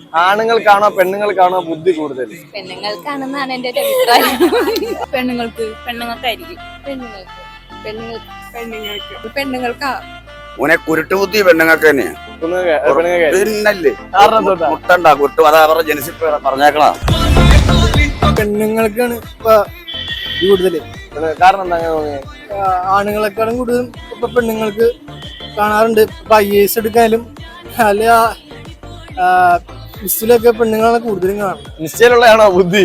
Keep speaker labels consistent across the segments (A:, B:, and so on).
A: ആണുങ്ങൾക്കാണോ പെണ്ണുങ്ങൾക്കാണോ ബുദ്ധി കൂടുതൽ?
B: പെണ്ണുങ്ങൾക്കാണെന്നാണ് എന്റെ ഒരു അഭിപ്രായം. പെണ്ണുങ്ങൾക്കായിരിക്കും. പെണ്ണുങ്ങൾക്കാ.
C: ഓനെ കുരുട്ടുബുദ്ധി പെണ്ണുങ്ങൾക്ക് തന്നെയാ. പിന്നല്ലേ മുട്ടണ്ട കുട്ടു അതാ അവരുടെ ജനസിപ്പ് പറഞ്ഞേക്കണ
D: പെണ്ണുങ്ങൾക്കാണ് ഇപ്പൊ കൂടുതല്.
A: കാരണം എന്താ അങ്ങനെ തോന്നിയത്?
D: ആണുങ്ങളെക്കാളും കൂടുതലും ഇപ്പൊ പെണ്ണുങ്ങൾക്ക് കാണാറുണ്ട്. ഇപ്പൊ IAS എടുക്കാനും അല്ല ലിസ്റ്റിലൊക്കെ പെണ്ണുങ്ങളാണ് കൂടുതലും കാണുന്നത്.
A: നിശ്ചയിലുള്ളതാണോ ബുദ്ധി?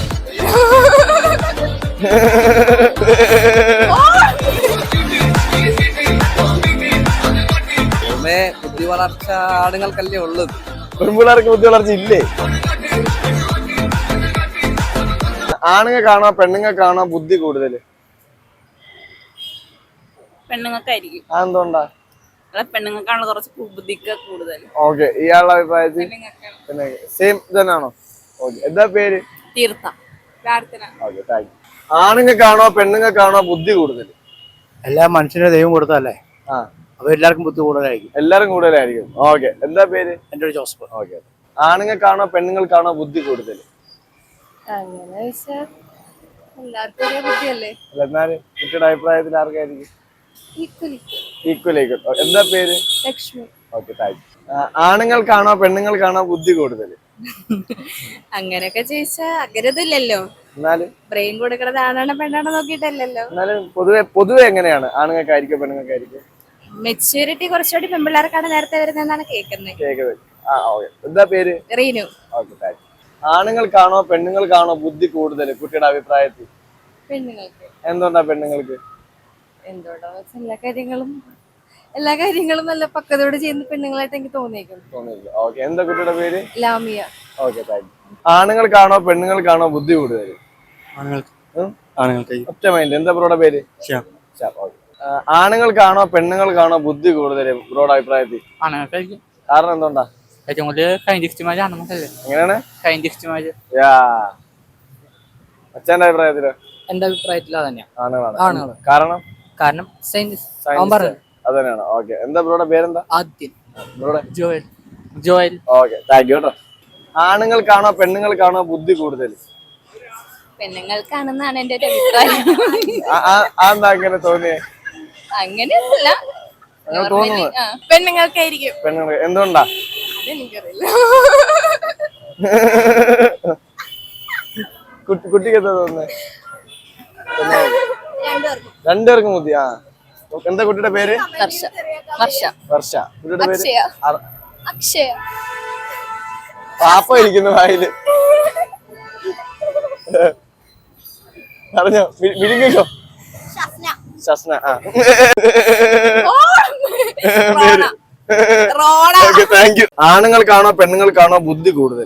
E: ബുദ്ധി വളർച്ച ആണുങ്ങൾക്കല്ലേ ഉള്ളത്.
A: പെൺപിള്ളേർക്ക് ബുദ്ധി വളർച്ച ഇല്ലേ? ആണുങ്ങൾക്കാണോ പെണ്ണുങ്ങൾക്കാണോ ബുദ്ധി കൂടുതൽ?
B: പെണ്ണുങ്ങൾക്കായിരിക്കും.
A: അതെന്തുകൊണ്ടാ?
B: പെണ്ണുങ്ങൾക്കാണ് കുറച്ച് ബുദ്ധിക്ക് കൂടുതൽ.
A: ഓക്കെ, ഇയാളുടെ അഭിപ്രായത്തിൽ സെയിം തന്നെയാണോ? ഓക്കെ, എന്താ പേര്?
B: തീർത്ഥ.
A: Okay, thank you. ആണുങ്ങൾക്കാണോ പെണ്ണുങ്ങൾക്കാണോ ബുദ്ധി കൂടുതൽ?
D: എല്ലാ മനുഷ്യനെ ദൈവം കൊടുത്തല്ലേ,
A: ആ,
D: അപ്പൊ എല്ലാവർക്കും ബുദ്ധി കൂടുതലായിരിക്കും.
A: എല്ലാരും കൂടുതലായിരിക്കും. ഓക്കെ, എന്താ പേര്?
D: എന്റെ ഒരു ജോസഫ്.
A: ഓക്കെ, ആണുങ്ങൾക്കാണോ പെണ്ണുങ്ങൾക്കാണോ ബുദ്ധി കൂടുതൽ?
B: അങ്ങനെ വെച്ചാൽ എല്ലാവർക്കും ഒരേ ബുദ്ധിയല്ലേ.
A: എന്നാലും കുട്ടിയുടെ അഭിപ്രായത്തിൽ ആർക്കായിരിക്കും? ഈക്വൽ. എന്താ പേര്?
B: ലക്ഷ്മി.
A: Okay, thank you. ആണുങ്ങൾക്കാണോ പെണ്ണുങ്ങൾക്കാണോ ബുദ്ധി കൂടുതൽ?
B: അങ്ങനെയൊക്കെ ചോദിച്ചാ അഗ്രതയില്ലല്ലോ.
A: എന്നാലും
B: ബ്രെയിൻ കൊടുക്കണത് ആണാണോ പെണ്ണാണോ നോക്കിയിട്ടല്ലല്ലോ.
A: എന്നാലും പൊതുവെ എങ്ങനെയാണ്? ആണുങ്ങൾക്കായിരിക്കും പെണ്ണുങ്ങൾക്കായിരിക്കും?
B: മെച്യൂരിറ്റി കുറച്ചുകൂടി പെൺപിള്ളേർക്കാണ് നേരത്തെ വരുന്നതെന്നാണ് കേൾക്കുന്നത്.
A: എന്താ പേര്?
B: റീനു.
A: Okay, thank you. ആണുങ്ങൾക്കാണോ പെണ്ണുങ്ങൾക്കാണോ ബുദ്ധി കൂടുതൽ കുട്ടിയുടെ അഭിപ്രായത്തിൽ?
B: പെണ്ണുങ്ങൾക്ക്.
A: എന്തുകൊണ്ടാ പെണ്ണുങ്ങൾക്ക്?
B: എന്തുകൊണ്ടാ എല്ലാ കാര്യങ്ങളും നല്ല പക്വതയോടെ ചെയ്യുന്ന പെണ്ണുങ്ങളായിട്ട് എനിക്ക് തോന്നിയേക്കുന്നു.
A: ഓക്കെ, എന്താ കുട്ടിയുടെ പേര്?
B: ലാമിയ.
A: Okay, thank you. ആണുങ്ങൾക്കാണോ പെണ്ണുങ്ങൾക്കാണോ ബുദ്ധി കൂടുതൽ? ഒറ്റ മൈൻഡ്. എന്താ ബ്രോയുടെ പേര്? ആണുങ്ങൾക്കാണോ പെണ്ണുങ്ങൾക്കാണോ ബുദ്ധി കൂടുതൽ ബ്രോയുടെ അഭിപ്രായത്തിൽ? കാരണം എന്തുകൊണ്ടാ? എങ്ങനെയാണ്? അച്ഛന്റെ അഭിപ്രായത്തിലോ?
E: എന്റെ അഭിപ്രായത്തിൽ അതന്നെയാ,
A: ആണുങ്ങളാണ്. കാരണം
E: സയൻസ്
A: അത് തന്നെയാണ്. ഓക്കെ, എന്താ ബ്രോയുടെ പേരെന്താ?
E: ആദ്യം
A: ബ്രോയുടെ?
E: ജോയൽ.
A: ഓക്കെ, താങ്ക് യു കേട്ടോ. ആണുങ്ങൾക്കാണോ പെണ്ണുങ്ങൾക്കാണോ ബുദ്ധി കൂടുതൽ?
B: പെണ്ണുങ്ങൾക്കാണെന്നാണ് എന്റെ ഒരു അഭിപ്രായം.
A: അതെന്താ അങ്ങനെ തോന്നിയേ?
B: അങ്ങനെയൊന്നുമില്ല,
A: അങ്ങനെ തോന്നുന്നു.
B: പെണ്ണുങ്ങൾക്കായിരിക്കും.
A: പെണ്ണുങ്ങൾ എന്തുകൊണ്ടാ?
B: അതെനിക്കറിയില്ല.
A: കുട്ടിക്ക് എന്താ തോന്നുന്നത്? രണ്ടുപേർക്കും ബുദ്ധി. ആ, എന്താ കുട്ടിയുടെ പേര്? വർഷ. കുട്ടിയുടെ പേര്?
B: അക്ഷയ.
A: പാപ്പ ഇരിക്കുന്നു വായില്. പറഞ്ഞോ, വിഴുങ്ങിക്കോ. ശസ്ന. ആ, ഓക്കെ, താങ്ക് യു. ആണുങ്ങൾക്കാണോ പെണ്ണുങ്ങൾക്കാണോ ബുദ്ധി കൂടുതൽ?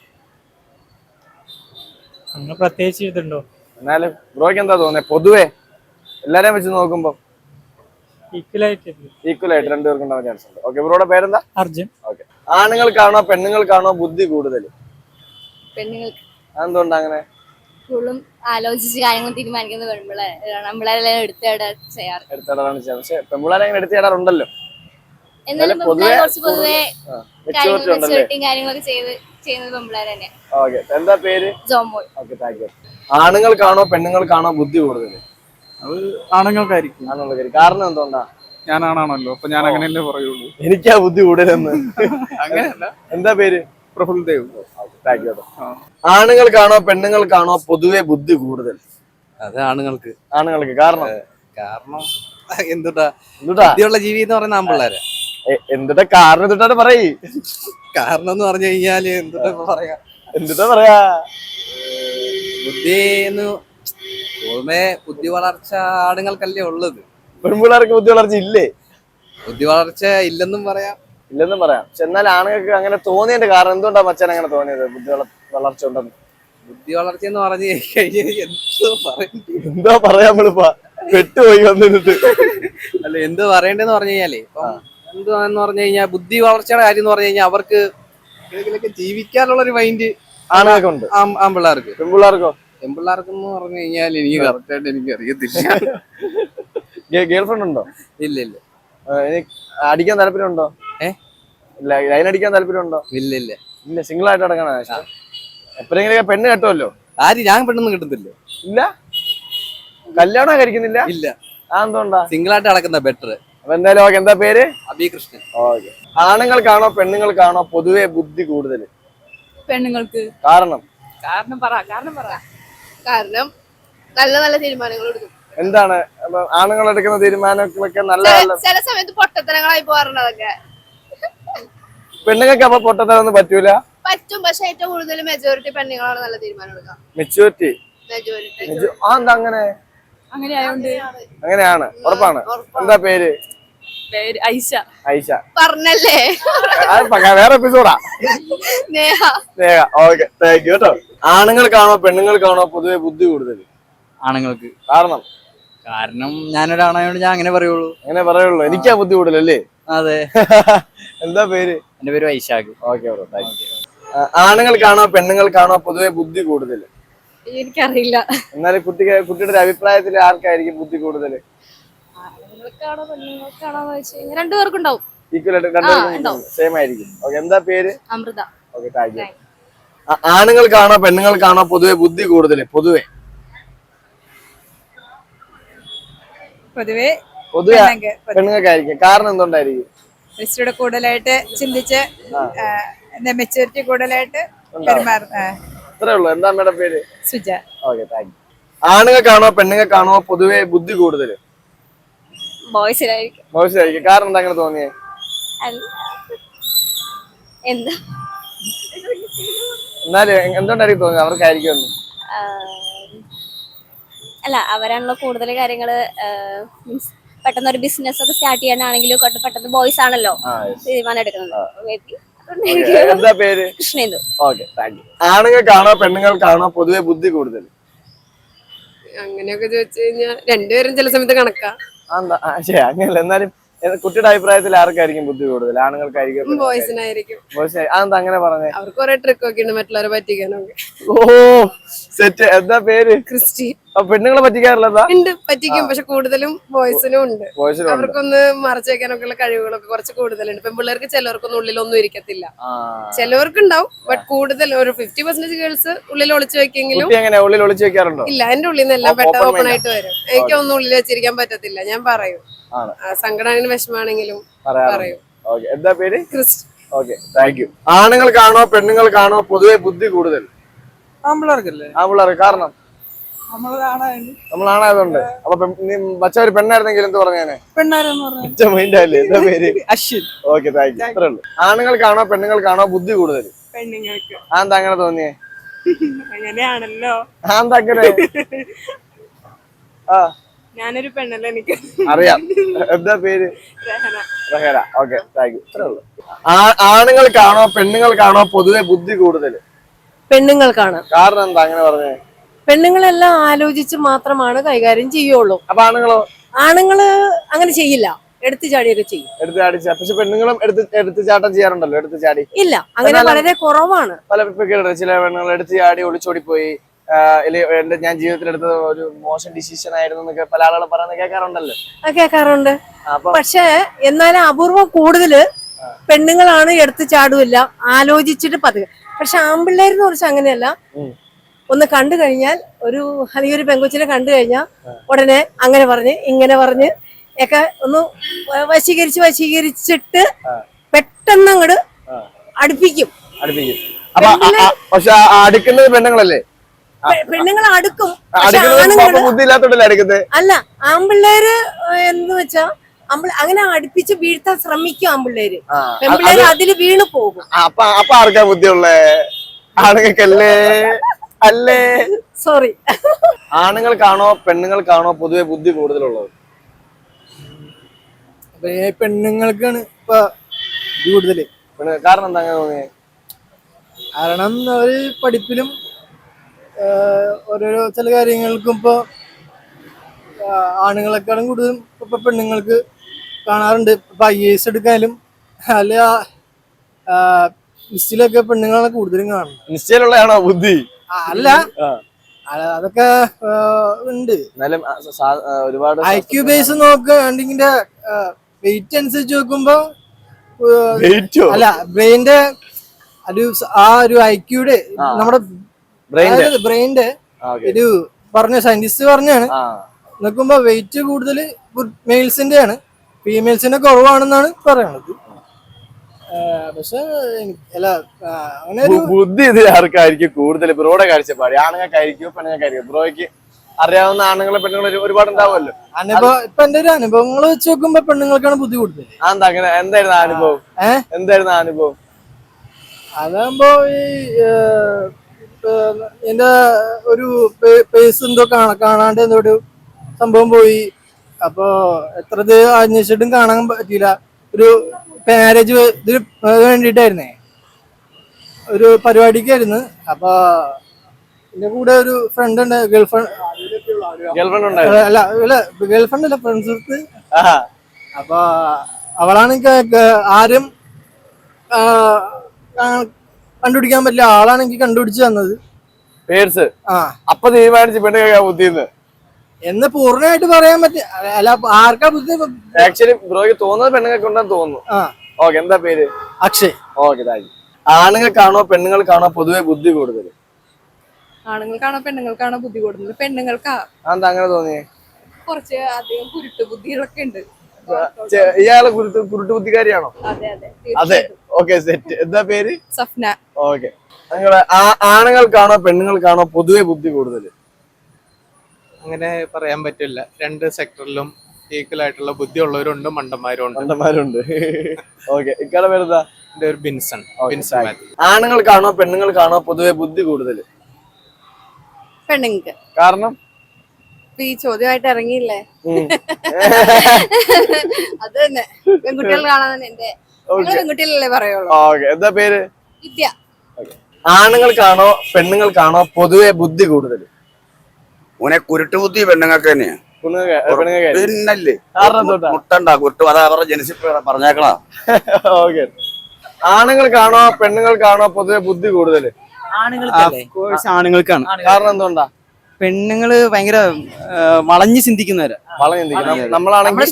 D: അങ്ങനെ പ്രത്യേകിച്ച് ഇതുണ്ടോ?
A: എന്നാലും ബ്രോയ്ക്ക് എന്താ തോന്നുന്നത് പൊതുവെ എല്ലാരെയും വെച്ച് നോക്കുമ്പോ? ഈക്വൽ ആയിട്ട് രണ്ടുപേർക്കും ഉണ്ടാവാൻ ചാൻസ് ഉണ്ട്. ഓക്കെ, ബ്രോയുടെ പേരെന്താ?
D: അർജുൻ.
A: ഓക്കെ, ആണുങ്ങൾക്കാണോ പെണ്ണുങ്ങൾക്കാണോ ബുദ്ധി കൂടുതൽ?
B: പെണ്ണുങ്ങൾക്ക്.
A: അതെന്തുകൊണ്ടാ അങ്ങനെ?
B: കൂടുതലും ആലോചിച്ച് കാര്യങ്ങൾ തീരുമാനിക്കുന്നത് പെൺപിള്ളേരെല്ലാം എടുത്തിടാൻ ചെയ്യാറ്.
A: എടുത്തിടാറാണ് ചെയ്യാറ്. പക്ഷെ പെൺപിള്ളേരെ അങ്ങനെ എടുത്തിടാറുണ്ടല്ലോ.
B: എന്നാലും
A: പൊതുവെ
B: കാര്യങ്ങളൊക്കെ ചെയ്യുന്നത് പെൺപിള്ളേർ തന്നെയാണ്.
A: ഓക്കെ, എന്താ പേര്?
B: ജോമോൾ.
A: Okay, thank you. ആണുങ്ങൾക്കാണോ പെണ്ണുങ്ങൾക്കാണോ ബുദ്ധി കൂടുതൽ?
D: അത് ആണുങ്ങൾക്കായിരിക്കും.
A: കാരണം എന്തുകൊണ്ടാ?
D: ഞാനാണല്ലോ, അപ്പൊ ഞാൻ അങ്ങനെയല്ലേ പറയുള്ളൂ.
A: എനിക്കാ ബുദ്ധി കൂടുതലെന്ന്.
D: അങ്ങനെയല്ല.
A: എന്താ പേര്?
D: പ്രഫുൽ ദേവ്.
A: Thank you. ആണുങ്ങൾക്കാണോ പെണ്ണുങ്ങൾക്കാണോ പൊതുവെ ബുദ്ധി കൂടുതൽ?
E: അത് ആണുങ്ങൾക്ക്.
A: കാരണം
E: എന്തുട്ടാ ബുദ്ധിയുള്ള ജീവി എന്ന് പറയുന്ന ആൺപിള്ളേരെ.
A: എന്തുട്ടാ കാരണം? എന്തുട്ടാ പറയ്.
E: കാരണം എന്ന് പറഞ്ഞു കഴിഞ്ഞാല്
A: എന്തുട്ടാ പറയാ?
E: ബുദ്ധി പൊതുവെ ബുദ്ധി വളർച്ച ആണുങ്ങൾക്കല്ലേ ഉള്ളത്.
A: പെൺപിള്ളേർക്ക് ബുദ്ധി വളർച്ച ഇല്ലേ?
E: ബുദ്ധി വളർച്ച ഇല്ലെന്നും പറയാം.
A: പക്ഷെ എന്നാൽ ആണുങ്ങൾക്ക് അങ്ങനെ തോന്നിയതിന്റെ കാരണം എന്തുകൊണ്ടാ മച്ചാൻ അങ്ങനെ തോന്നിയത് ബുദ്ധി വളർച്ച ഉണ്ടെന്ന്?
E: ബുദ്ധി വളർച്ച എന്ന് പറഞ്ഞു കഴിഞ്ഞാൽ
A: എന്തോ പറയാ നമ്മളിപ്പോ പെട്ടുപോയി വന്നിട്ട്.
E: അല്ല, എന്ത് പറയണ്ടെന്ന് പറഞ്ഞു കഴിഞ്ഞാലേ എന്തുവാന്ന് പറഞ്ഞു കഴിഞ്ഞാൽ ബുദ്ധി വളർച്ചയുടെ കാര്യം എന്ന് പറഞ്ഞു കഴിഞ്ഞാൽ അവർക്ക് ജീവിക്കാനുള്ള ഒരു മൈൻഡ്
A: ആണുങ്ങൾക്കുണ്ട്.
E: ആൺപിള്ളേർക്ക്. പെൺപിള്ളേർക്കെന്ന് പറഞ്ഞു കഴിഞ്ഞാൽ എനിക്ക് കറക്റ്റായിട്ട് എനിക്ക് അറിയത്തില്ല.
A: ഗേൾഫ്രണ്ട് ഉണ്ടോ?
E: ഇല്ല.
A: അടിക്കാൻ താല്പര്യമുണ്ടോ? ലൈൻ അടിക്കാൻ താല്പര്യമുണ്ടോ?
E: ഇല്ല.
A: ഇല്ല, സിംഗിൾ ആയിട്ട് നടക്കണ ഇഷ്ടം. എപ്പോഴെങ്കിലും പെണ്ണ് കെട്ടുമല്ലോ.
E: ഞാൻ പെണ്ണൊന്നും കിട്ടുന്നില്ല.
A: ഇല്ല, കല്യാണം കഴിക്കുന്നില്ല.
E: ഇല്ല,
A: എന്തുകൊണ്ടാ?
E: സിംഗിൾ ആയിട്ട് നടക്കുന്ന ബെറ്റർ.
A: അപ്പൊ എന്തായാലും ഓക്കെ. എന്താ പേര്?
E: അബി കൃഷ്ണൻ.
A: ഓക്കെ. ആണുങ്ങൾക്കാണോ പെണ്ണുങ്ങൾക്കാണോ പൊതുവെ ബുദ്ധി കൂടുതൽ?
B: പെണ്ണുങ്ങൾക്ക്.
A: കാരണം
B: കാരണം നല്ല നല്ല തീരുമാനങ്ങൾ എടുക്കും.
A: എന്താണ് ആണുങ്ങൾ എടുക്കുന്ന തീരുമാനങ്ങളൊക്കെ നല്ല നല്ല?
B: ചില സമയത്ത് പൊട്ടത്തരങ്ങളായി പോകാറുണ്ട്. അതൊക്കെ
A: പെണ്ണുങ്ങൾക്ക് അപ്പൊ പൊട്ടത്തരൊന്നും പറ്റൂല?
B: പറ്റും, പക്ഷെ ഏറ്റവും കൂടുതൽ മെജോറിറ്റി പെണ്ണുങ്ങളാണ് നല്ല തീരുമാനം എടുക്കുക.
A: മെച്യൂരിറ്റി. എന്താ അങ്ങനെ? അങ്ങനെയാണ്, ഉറപ്പാണ്. എന്താ പേര്?
B: ഐഷ.
A: ഐഷ
B: പറഞ്ഞല്ലേ?
A: വേറെ എപ്പിസോഡാ.
B: Neha.
A: Neha. Okay, thank you കേട്ടോ. ആണുങ്ങൾക്കാണോ പെണ്ണുങ്ങൾക്കാണോ പൊതുവെ ബുദ്ധി കൂടുതൽ?
E: ആണുങ്ങൾക്ക്.
A: കാരണം
E: ഞാനൊരാണായോണ്ട് ഞാൻ അങ്ങനെ പറയുള്ളൂ.
A: അങ്ങനെ പറയുള്ളൂ. എനിക്കാ ബുദ്ധി കൂടുതലല്ലേ?
E: അതെ.
A: എന്താ പേര്?
E: എന്റെ പേര് Vaishakh.
A: Okay bro, thank you. ആണുങ്ങൾക്കാണോ പെണ്ണുങ്ങൾക്കാണോ പൊതുവെ ബുദ്ധി കൂടുതൽ?
B: എനിക്കറിയില്ല.
A: എന്നാലും കുട്ടിയുടെ ഒരു അഭിപ്രായത്തിൽ ആർക്കായിരിക്കും ബുദ്ധി കൂടുതൽ?
B: ആണുങ്ങൾക്കാണോ പെണ്ണുങ്ങൾക്കാണോ രണ്ടുപേർക്കുണ്ടാവും.
A: ഈക്വൽ ആയിട്ട് രണ്ടുപേർക്കും സെയിം ആയിരിക്കും. ഓക്കെ, എന്താ പേര്?
B: അമൃത.
A: Okay, thank you. ആണുങ്ങൾക്കാണോ പെണ്ണുങ്ങൾക്കാണോ പൊതുവെ ബുദ്ധി കൂടുതൽ? പൊതുവെ പെണ്ണുങ്ങൾക്കായിരിക്കും. കാരണം എന്തുകൊണ്ടായിരിക്കും?
F: ഇച്ചിരി കൂടുതലായിട്ട് ചിന്തിച്ച് മെച്ചൂരിറ്റി കൂടുതലായിട്ട് പെരുമാറുന്ന.
A: അത്രേ ഉള്ളൂ. എന്താ അമ്മയുടെ പേര്?
F: സുജ.
A: Okay, thank you. ആണുങ്ങൾക്കാണോ പെണ്ണുങ്ങൾക്കാണോ പൊതുവെ ബുദ്ധി കൂടുതൽ?
B: ബോയ്സിലായിരിക്കും.
A: ബോയ്സിലായിരിക്കും. കാരണം എന്താ അങ്ങനെ തോന്നിയേ?
B: എന്താ
A: എന്നാലും എന്തുകൊണ്ടായിരിക്കും തോന്നിയത് അവർക്കായിരിക്കും?
B: അല്ല, അവരാണല്ലോ കൂടുതൽ കാര്യങ്ങള് മീൻസ് പെട്ടെന്ന് ഒരു ബിസിനസ് ഒക്കെ സ്റ്റാർട്ട് ചെയ്യാനാണെങ്കിലും പെട്ടെന്ന് ബോയ്സ് ആണല്ലോ തീരുമാനം എടുക്കുന്നത്.
A: എന്താ പേര്?
B: കൃഷ്ണേന്ദു.
A: Okay, thank you. ആണുങ്ങൾക്കാണോ പെണ്ണുങ്ങൾക്കാണോ പൊതുവെ ബുദ്ധി കൂടുതൽ?
G: അങ്ങനെയൊക്കെ ചോദിച്ചു കഴിഞ്ഞാൽ രണ്ടുപേരും ചില സമയത്ത് കണക്കാ.
A: അങ്ങനെയല്ല, എന്നാലും കുട്ടിയുടെ അഭിപ്രായത്തിൽ ആർക്കായിരിക്കും ബുദ്ധി കൂടുതൽ? ആണുങ്ങൾക്കായിരിക്കും?
G: ബോയ്സിനായിരിക്കും.
A: അതെന്താ അങ്ങനെ പറഞ്ഞേ?
G: അവർക്ക് കുറെ ട്രിക്ക് ഒക്കെ ഉണ്ട് മറ്റുള്ളവരെ പറ്റിക്കാനൊക്കെ.
A: ഓ സെറ്റ്. എന്താ പേര്?
G: ക്രിസ്റ്റി.
A: പെണ്ണുങ്ങളെ പറ്റിക്കാറില്ല?
G: ഉണ്ട്, പറ്റിക്കും. പക്ഷെ കൂടുതലും ബോയ്സിനും ഉണ്ട്. അവർക്കൊന്ന് മറച്ചു വെക്കാനൊക്കെ ഉള്ള കഴിവുകളൊക്കെ കുറച്ച് കൂടുതലുണ്ട്. പെൺപിള്ളേർക്ക് ചിലവർക്കൊന്നും ഉള്ളിലൊന്നും ഇരിക്കത്തില്ല. ചിലവർക്ക് ഉണ്ടാവും, ബട്ട് കൂടുതൽ ഒരു 50% ഗേൾസ് ഉള്ളിൽ ഒളിച്ചു വെക്കെങ്കിലും.
A: ഉള്ളിൽ ഒളിച്ചു വെക്കാറുണ്ടോ?
G: ഇല്ല, എന്റെ ഉള്ളിൽ നിന്ന് എല്ലാം പെട്ടെന്ന് ഓപ്പൺ ആയിട്ട് വരും. എനിക്കൊന്നും ഉള്ളിൽ വെച്ചിരിക്കാൻ പറ്റത്തില്ല. ഞാൻ പറയും, സങ്കടാണെങ്കിലും വിഷമാണെങ്കിലും പറയും.
A: എന്താ പേര്?
G: ക്രിസ്റ്റി.
A: Okay, thank you. ആണുങ്ങൾക്കാണോ പെണ്ണുങ്ങൾക്കാണോ പൊതുവെ ബുദ്ധി കൂടുതൽ?
E: ആമ്പിള്ളേർക്കല്ലേ?
A: ആമ്പിള്ളേർ. കാരണം നമ്മളാണായതുകൊണ്ട്. അപ്പൊ മച്ച ഒരു പെണ്ണായിരുന്നെങ്കിൽ എന്ത് പറഞ്ഞേനെ? മൈൻഡല്ലേ? എന്താ പേര്?
E: അശ്വിൻ.
A: Okay, thank you. അത്രേ ഉള്ളൂ. ആണുങ്ങൾക്കാണോ പെണ്ണുങ്ങൾക്കാണോ ബുദ്ധി കൂടുതൽ?
F: പെണ്ണുങ്ങൾക്ക്.
A: അതെന്താ അങ്ങനെ തോന്നിയേ?
F: അങ്ങനെയാണല്ലോ.
A: അതെന്താ അങ്ങനെ?
F: ഞാനൊരു പെണ്ണല്ല, എനിക്ക്
A: അറിയാം. എന്താ പേര്? റഹന. Okay, thank you. അത്രേ ഉള്ളൂ. ആണുങ്ങൾക്കാണോ പെണ്ണുങ്ങൾക്കാണോ പൊതുവെ ബുദ്ധി കൂടുതൽ?
H: പെണ്ണുങ്ങൾക്കാണ്.
A: കാരണം എന്താ അങ്ങനെ പറഞ്ഞേ?
H: പെണ്ണുങ്ങളെല്ലാം ആലോചിച്ച് മാത്രമാണ് കൈകാര്യം ചെയ്യുള്ളൂ.
A: അപ്പൊ
H: ആണുങ്ങള് അങ്ങനെ ചെയ്യില്ല, എടുത്തു ചാടിയൊക്കെ ചെയ്യും.
A: പക്ഷെ പെണ്ണുങ്ങളും എടുത്ത് ചാട്ടം ചെയ്യാറുണ്ടല്ലോ. എടുത്ത് ചാടി
H: ഇല്ല, അങ്ങനെ വളരെ കുറവാണ്.
A: പല ചില പെണ്ണുങ്ങൾ എടുത്ത് ചാടി ഒളിച്ചോടിപ്പോയി, ഞാൻ ജീവിതത്തിൽ എടുത്ത ഒരു മോശം ഡിസിഷൻ ആയിരുന്നു എന്നൊക്കെ പല ആളുകളും പറയുന്നത് കേൾക്കാറുണ്ടല്ലോ.
H: കേൾക്കാറുണ്ട്. പക്ഷെ എന്നാലും അപൂർവം കൂടുതല് പെണ്ണുങ്ങളാണ് എടുത്ത് ചാടുമില്ല, ആലോചിച്ചിട്ട് പതുക്കെ. പക്ഷെ ആൺപിള്ളേരെന്ന് കുറിച്ച് അങ്ങനെയല്ല. ഒന്ന് കണ്ടു കഴിഞ്ഞാൽ അല്ലെങ്കിൽ ഒരു പെങ്കൊച്ചിനെ കണ്ടു കഴിഞ്ഞാൽ ഉടനെ അങ്ങനെ പറഞ്ഞ് ഇങ്ങനെ പറഞ്ഞ് ഒക്കെ ഒന്ന് വശീകരിച്ചിട്ട് പെട്ടെന്ന് അങ്ങോട്ട് അടുപ്പിക്കും.
A: പക്ഷെ അടുക്കുന്നത് പെണ്ണുങ്ങളല്ലേ?
H: പെണ്ണുങ്ങൾ അടുക്കും.
A: അല്ല,
H: ആൺപിള്ളേര് എന്ന് വെച്ചാ അങ്ങനെ അടുപ്പിച്ച് വീഴ്ത്താൻ ശ്രമിക്കും ആൺപിള്ളേര്. പെൺപിള്ളേര് അതില് വീണ് പോകും.
A: അപ്പൊ ആർക്കാ ബുദ്ധിയുള്ളേ? ആണുങ്ങൾക്കല്ലേ? അല്ലേ?
H: സോറി.
A: ആണുങ്ങൾക്കാണോ പെണ്ണുങ്ങൾക്കാണോ പൊതുവെ ബുദ്ധി കൂടുതലുള്ളത്?
D: പെണ്ണുങ്ങൾക്കാണ് ഇപ്പൊ കൂടുതല്.
A: കാരണം എന്താ അങ്ങനെ തോന്നിയേ?
D: കാരണം അവര് പഠിപ്പിലും ഓരോരോ ചില കാര്യങ്ങൾക്കും ഇപ്പൊ ആണുങ്ങളെക്കാളും കൂടുതലും ഇപ്പൊ പെണ്ണുങ്ങൾക്ക് കാണാറുണ്ട്. ഇപ്പൊ IAS എടുക്കാനും അല്ല ലിസ്റ്റിലൊക്കെ പെണ്ണുങ്ങളാണ് കൂടുതലും കാണുന്നത്.
A: നിശ്ചയിലുള്ളതാണോ ബുദ്ധി?
D: അല്ല, അതൊക്കെ ഉണ്ട്.
A: ഒരുപാട്
D: IQ ബേസ് നോക്കുകയാണെങ്കിൽ വെയിറ്റ് അനുസരിച്ച് നോക്കുമ്പോ അല്ല ബ്രെയിന്റെ ആ ഒരു ഐക്യൂടെ നമ്മുടെ ബ്രെയിന്റെ ഒരു പറഞ്ഞ സയന്റിസ്റ്റ് പറഞ്ഞാണ്. നോക്കുമ്പോ വെയിറ്റ് കൂടുതൽ മെയിൽസിന്റെ ആണ്, ഫീമെയിൽസിന്റെ കുറവാണെന്നാണ് പറയണത്. പക്ഷെ അല്ല അങ്ങനെ ഒരു
A: ബുദ്ധി ഇത് ആർക്കായിരിക്കും കൂടുതൽ? ബ്രോയുടെ കാഴ്ചപ്പാട് ആണുങ്ങൾക്കായിരിക്കും പെണ്ണുങ്ങൾക്കായിരിക്കും? ബ്രോയ്ക്ക് അറിയാവുന്ന ആണുങ്ങളെ പെണ്ണുങ്ങൾ ഒരുപാട് ഉണ്ടാവുമല്ലോ.
D: ഇപ്പൊ എന്റെ ഒരു അനുഭവങ്ങൾ വെച്ച് നോക്കുമ്പോ പെണ്ണുങ്ങൾക്കാണ് ബുദ്ധി കൂടുതൽ.
A: അതെന്താ അങ്ങനെ? എന്തായിരുന്നു അനുഭവം? എന്തായിരുന്നു അനുഭവം?
D: അതാകുമ്പോ ഈ എന്റെ ഒരു പേസ് എന്തോ കാണാണ്ട് എന്തോ ഒരു സംഭവം പോയി. അപ്പൊ എത്ര ഇത് അന്വേഷിച്ചിട്ടും കാണാൻ പറ്റിയില്ല. ഒരു മാരേജ് ഇതിന് വേണ്ടിട്ടായിരുന്നേ, ഒരു പരിപാടിക്കായിരുന്നു. അപ്പൊ എന്റെ കൂടെ ഒരു ഫ്രണ്ട് ഉണ്ട്, ഗേൾഫ്രണ്ട് അല്ല ഫ്രണ്ട്സ്. അപ്പൊ അവളാണ് ആരും കണ്ടുപിടിക്കാൻ പറ്റില്ല ആളാണ് എനിക്ക് കണ്ടുപിടിച്ച് തന്നത്.
A: പേഴ്സ് അപ്പൊ തീരുമാനിച്ചു പെണ്ണുങ്ങൾക്കാ ബുദ്ധിന്ന്
D: എന്ന് പൂർണ്ണമായിട്ട് പറയാൻ പറ്റില്ല. അല്ല ആർക്കാ ബുദ്ധി?
A: ആക്ച്വലി ബ്രോയ്ക്ക് തോന്നുന്നത് പെണ്ണുങ്ങൾക്ക് ഉണ്ടെന്ന് തോന്നുന്നു. ഓക്കെ, എന്താ പേര്?
D: അക്ഷയ്.
A: Okay, thank you. ആണുങ്ങൾക്കാണോ പെണ്ണുങ്ങൾക്കാണോ പൊതുവെ ബുദ്ധി കൂടുതൽ?
F: ആണുങ്ങൾക്കാണോ പെണ്ണുങ്ങൾക്കാണോ ബുദ്ധി കൂടുന്നത്? പെണ്ണുങ്ങൾക്കാ.
A: എന്താ അങ്ങനെ തോന്നിയേ?
F: കുറച്ച് അധികം കുരുട്ട് ബുദ്ധികളൊക്കെ ഉണ്ട്.
A: ഇയാളെ കുരുട്ട് ബുദ്ധിക്കാരിയാണോ?
F: അതെ അതെ
A: അതെ. Okay, set. എന്താ പേര്?
F: സഫ്ന.
A: ഓക്കെ. നിങ്ങളെ ആണുങ്ങൾക്കാണോ പെണ്ണുങ്ങൾക്കാണോ പൊതുവെ ബുദ്ധി കൂടുതൽ?
E: അങ്ങനെ പറയാൻ പറ്റില്ല. രണ്ട് സെക്ടറിലും ഈക്വൽ ആയിട്ടുള്ള ബുദ്ധി ഉള്ളവരുണ്ട്, മണ്ടന്മാരുണ്ട്.
A: ഓക്കെ, ഇക്കാടെ പേരെന്താ?
E: എന്റെ ഒരു ബിൻസൺ.
A: ആണുങ്ങൾക്കാണോ പെണ്ണുങ്ങൾക്കാണോ പൊതുവെ ബുദ്ധി കൂടുതൽ?
G: പെണ്ണുങ്ങൾക്ക്.
A: കാരണം
G: ഈ ചോദ്യമായിട്ട് ഇറങ്ങിയില്ലേ, അത് തന്നെ. പെൺകുട്ടികൾ കാണാൻ എന്റെ പെൺകുട്ടികളല്ലേ പറയുള്ളൂ.
A: ഓക്കെ, എന്താ പേര്?
G: വിദ്യ.
A: ആണുങ്ങൾക്കാണോ പെണ്ണുങ്ങൾക്കാണോ പൊതുവെ ബുദ്ധി കൂടുതൽ?
C: ഓനെ കുരുട്ട് ബുദ്ധി പെണ്ണുങ്ങൾക്ക് തന്നെയാ. പിന്നല്ലേ മുട്ടണ്ടാ കുരുട്ട്, അതാ അവരുടെ ജനിച്ചിട്ട് പറഞ്ഞേക്കണ.
A: ഓക്കെ. ആണുങ്ങൾക്കാണോ പെണ്ണുങ്ങൾക്കാണോ പൊതുവെ ബുദ്ധി കൂടുതൽ?
I: ആണുങ്ങൾക്കാണ്.
A: കാരണം എന്തുകൊണ്ടാ?
I: പെണ്ണുങ്ങള് ഭയങ്കര വളഞ്ഞു ചിന്തിക്കുന്നവരാ.
A: നമ്മളാണെങ്കിൽ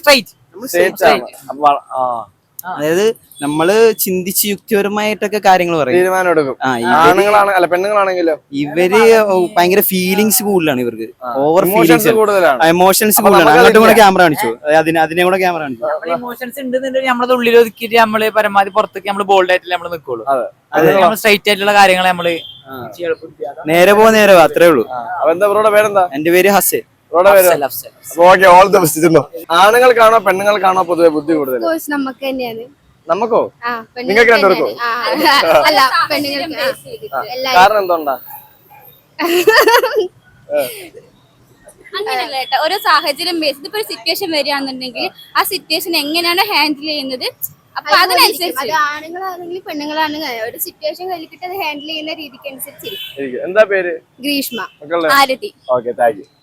I: അതായത് നമ്മള് ചിന്തിച്ച് യുക്തിപരമായിട്ടൊക്കെ കാര്യങ്ങൾ പറയും,
A: തീരുമാനം എടുക്കും. ആണുങ്ങളാണ് പെണ്ണുങ്ങളാണെങ്കിലോ
I: ഇവര് ഭയങ്കര ഫീലിങ്സ് കൂടുതലാണ് ഇവർക്ക്. ഓവർ
A: ഇമോഷൻസ് കൂടുതലാണ്.
I: എമോഷൻസ് കൂടുതലാണ്. അങ്ങോട്ടും കൂടെ ക്യാമറ കാണിച്ചു, അതിനെ കൂടെ ക്യാമറ കാണിച്ചു.
J: ഇമോഷൻസ് ഉണ്ടെന്നുണ്ടെങ്കിൽ നമ്മളത് ഉള്ളിൽ ഒതുക്കിയിട്ട് നമ്മള് പരമാവധി പുറത്തേക്ക് നമ്മള് ബോൾഡ് ആയിട്ടില്ല നമ്മള് നിൽക്കുള്ളൂ. നമ്മൾ സ്ട്രൈറ്റ് ആയിട്ടുള്ള കാര്യങ്ങൾ നമ്മള്
I: നേരെ പോവാ അത്രേ ഉള്ളൂ.
A: എന്താ ബ്രോയുടെ പേരെന്താ?
I: എന്റെ പേര് ഹസൻ.
A: ആണുങ്ങൾക്കാണോ പെണ്ണുങ്ങൾക്കാണോ പൊതുവെ ബുദ്ധി കൂടുതൽ?
B: നമുക്ക് തന്നെയാണ്.
A: നമുക്കോ? നിങ്ങൾക്ക് രണ്ടുപേർക്കോ? കാരണം എന്തുകൊണ്ടാ?
B: അങ്ങനെയല്ല കേട്ടോ, ഓരോ സാഹചര്യം ബേസ് ഇപ്പൊ ഒരു സിറ്റുവേഷൻ വരികയാണെന്നുണ്ടെങ്കിൽ ആ സിറ്റുവേഷൻ എങ്ങനെയാണ് ഹാൻഡിൽ ചെയ്യുന്നത്, അപ്പൊ അതിനനുസരിച്ച് ആണുങ്ങളാണെങ്കിലും പെണ്ണുങ്ങളാണെങ്കിൽ ഒരു സിറ്റുവേഷൻ കഴിഞ്ഞിട്ട് അത് ഹാൻഡിൽ ചെയ്യുന്ന രീതിക്ക് അനുസരിച്ചിരിക്കും.
A: എന്താ പേര്?
B: Greeshma. Arathi.
A: Okay, thank U.